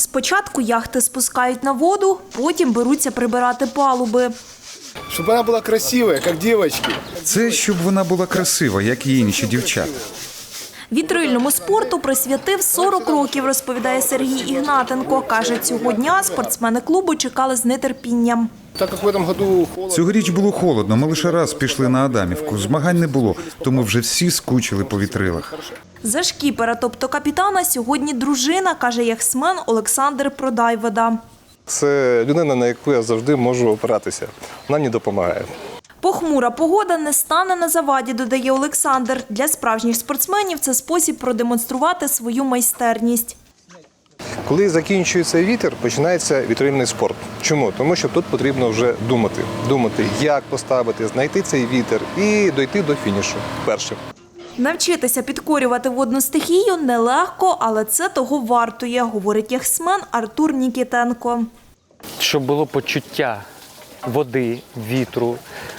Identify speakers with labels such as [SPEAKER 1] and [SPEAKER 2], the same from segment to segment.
[SPEAKER 1] Спочатку яхти спускають на воду, потім беруться прибирати палуби.
[SPEAKER 2] Щоб вона була красива, як дівчатки.
[SPEAKER 3] Це щоб вона була красива, як і інші дівчата.
[SPEAKER 1] Вітрильному спорту присвятив 40 років, розповідає Сергій Ігнатенко. Каже, цього дня спортсмени клубу чекали з нетерпінням.
[SPEAKER 2] Так як в цьому году холодно.
[SPEAKER 3] Цьогоріч було холодно, ми лише раз пішли на Адамівку. Змагань не було, тому вже всі скучили по вітрилах.
[SPEAKER 1] За шкіпера, тобто капітана, сьогодні дружина, каже яхтсмен Олександр Продайвода.
[SPEAKER 4] Це людина, на яку я завжди можу опиратися. Вона мені допомагає.
[SPEAKER 1] Похмура погода не стане на заваді, додає Олександр. Для справжніх спортсменів це спосіб продемонструвати свою майстерність.
[SPEAKER 4] Коли закінчується вітер, починається вітрильний спорт. Чому? Тому що тут потрібно вже думати. Думати, як поставити, знайти цей вітер і дойти до фінішу першим.
[SPEAKER 1] Навчитися підкорювати водну стихію нелегко, але це того вартує, говорить яхтсмен Артур Нікітенко.
[SPEAKER 5] Щоб було почуття води, вітру,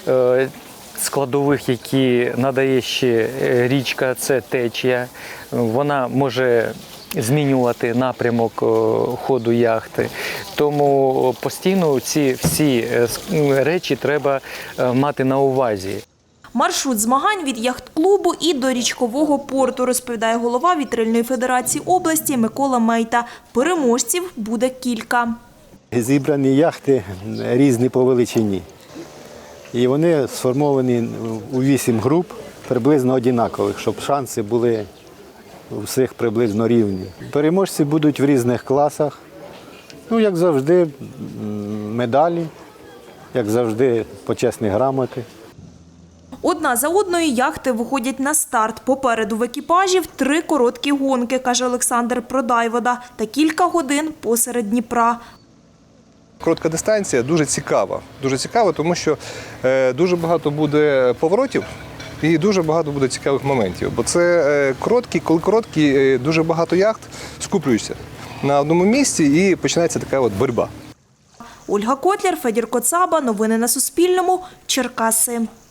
[SPEAKER 5] складових, які надає ще річка, це течія. Вона може змінювати напрямок ходу яхти. Тому постійно ці всі речі треба мати на увазі.
[SPEAKER 1] Маршрут змагань від яхт-клубу і до річкового порту, розповідає голова Вітрильної федерації області Микола Мейта. Переможців буде кілька.
[SPEAKER 6] Зібрані яхти різні по величині. І вони сформовані у 8 груп, приблизно однакових, щоб шанси були у всіх приблизно рівні. Переможці будуть в різних класах. Ну, як завжди, медалі, як завжди, почесні грамоти.
[SPEAKER 1] Одна за одною яхти виходять на старт. Попереду в екіпажів 3 короткі гонки, каже Олександр Продайвода, та кілька годин посеред Дніпра.
[SPEAKER 4] Коротка дистанція дуже цікава. Дуже цікава, тому що дуже багато буде поворотів і дуже багато буде цікавих моментів. Бо це коли короткі, дуже багато яхт скуплюються на одному місці і починається така от боротьба.
[SPEAKER 1] Ольга Котляр, Федір Коцаба. Новини на Суспільному. Черкаси.